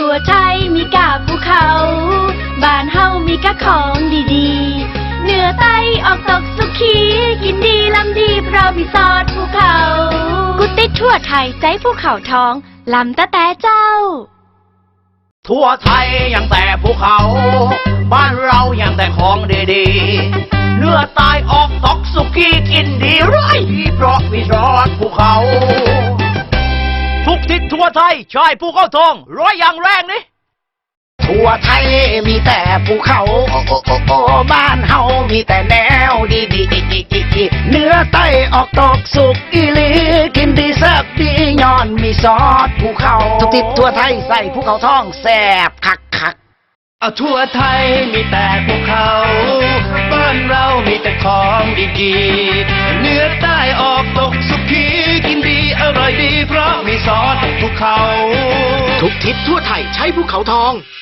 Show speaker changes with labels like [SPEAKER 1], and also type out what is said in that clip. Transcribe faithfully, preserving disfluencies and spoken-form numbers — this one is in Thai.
[SPEAKER 1] ทั่วไทยมีกาบภูเขาบ้านเฮามีกะของดีๆเหนือใต้ออกตกสุขีกินดีลำดีเพราะมีซอสภูเขากุติดทั่วไทยใจภูเขาทองลำตะแต่เจ้า
[SPEAKER 2] ทั่วไทยยังแต่ภูเขา บ้านเรายังแต่ของดีๆเนื้อตายออกตอกสุกี้กินดีไรเพราะมีซอสภูเขา ทุกทิศทั่วไทยชายภูเขาทองร้อยอย่างแรงนี่ทั่วไทยมีแต่ภูเขาโอ้โอ้โอ้โอ้บ้านเฮามีแต่แนวดีดีเนื้อไตออกตกสุกอีลีกินดีแซ่บดีย้อนมีซอสภูเขาทุกทิศทั่วไทยใส่ภูเขาทองแซ่บคักคัก
[SPEAKER 3] เอาทั่วไทยมีแต่ภูเขาบ้านเรามีแต่ของดีๆเนื้อใต้ออกตกสุกี้กินดีอร่อยดีเพราะมีซอสภูเขา
[SPEAKER 2] ทุกทิศทั่วไทยใช้ภูเขาทอง